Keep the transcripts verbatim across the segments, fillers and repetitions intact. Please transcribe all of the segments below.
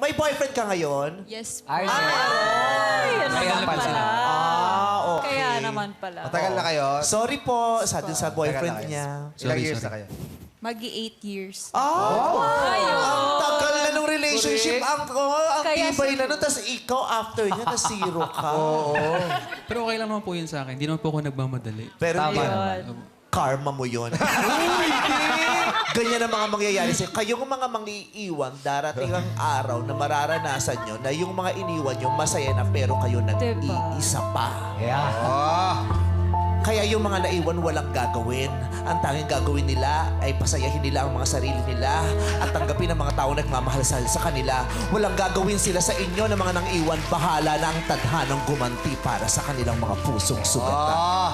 may boyfriend ka ngayon? Yes po. Ay, Ay, yan Kaya naman pala. pala. Ah, okay. Kaya naman pala. Matagal na kayo? Sorry po, sa, sa boyfriend Tagal na niya. kayo. Ilang Sorry, years sorry. na kayo? Magi eight years. Ah, ang tagal na ng relationship. Ang, oh, ang Kaya tibay si- na nun. Tapos ikaw, after niya, na zero ka. Pero okay lang naman po yun sa akin. Hindi naman po ako nagmamadali. Pero Tama yun, naman. karma mo yun. Ganyan ang mga mangyayari sa'yo. Kayong mga mangiiwan, darating ang araw na mararanasan nyo na yung mga iniwan nyo masaya na pero kayo nag-iisa pa. Yeah. Oh! Kaya yung mga naiwan walang gagawin. Ang tanging gagawin nila ay pasayahin nila ang mga sarili nila at tanggapin ang mga tao nagmamahal sa, sa kanila. Walang gagawin sila sa inyo na mga nang iwan. Bahala na ang tadhanang gumanti para sa kanilang mga pusong sugatan. Oh!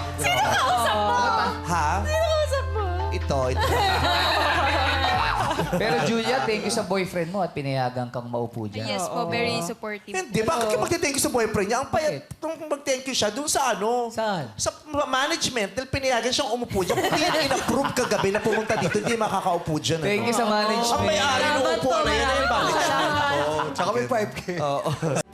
Ha? Ito, ito. Pero Julia, thank you sa boyfriend mo at pinayagan kang maupo dyan. Yes po, very supportive. Hindi, bakit ka magte-thank you sa boyfriend niya? Ang payat, nung mag-thank you siya, dun sa ano? Saan? Sa management, dahil pinayagan siyang umupo dyan. Kung hindi yan in-approve kagabi na pumunta dito, hindi makakaupo dyan. Thank you sa Ang management. may-ari ng Salamat upuan po, na yan, eh, maraming bakit? salamat. Oo. Tsaka may five K. Oo.